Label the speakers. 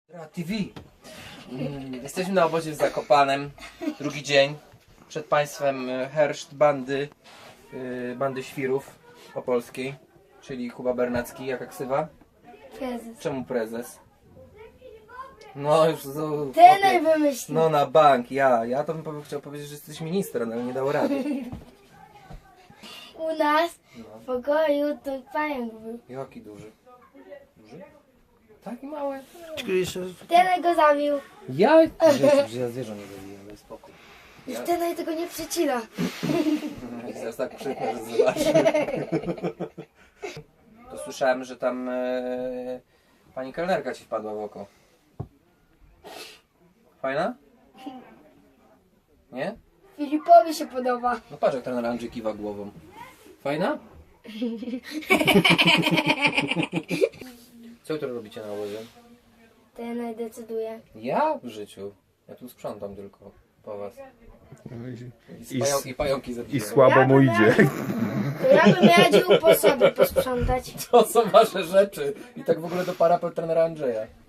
Speaker 1: TV. Jesteśmy na obozie w Zakopanem. Drugi dzień. Przed państwem herszt bandy świrów opolskiej, czyli Kuba Bernacki. Jaka ksywa?
Speaker 2: Prezes.
Speaker 1: Czemu prezes? No już
Speaker 2: Ty najwymyślił.
Speaker 1: no na bank, ja to bym chciał powiedzieć, że jesteś ministrem, ale nie dało rady.
Speaker 2: U nas
Speaker 1: No.
Speaker 2: w pokoju to pająk był.
Speaker 1: Jaki duży? Duży? Taki mały?
Speaker 2: Ten go zabił.
Speaker 1: Ja? Że ja zwierzę nie zabiłem, daj spokój.
Speaker 2: I ten tego nie przecina.
Speaker 1: Zaraz tak krzyknę, że zobaczy. To słyszałem, że tam pani kelnerka ci wpadła w oko. Fajna? Nie?
Speaker 2: Filipowi się podoba.
Speaker 1: No patrz jak trener Andrzej kiwa głową. Fajna? Co jutro robicie na obozie?
Speaker 2: Ten decyduje.
Speaker 1: Ja w życiu. Ja tu sprzątam tylko po was. I pająki
Speaker 3: I
Speaker 1: zabijam.
Speaker 3: słabo mu idzie.
Speaker 2: To ja bym radził po sobie posprzątać.
Speaker 1: To są wasze rzeczy. I tak w ogóle do parapet trenera Andrzeja.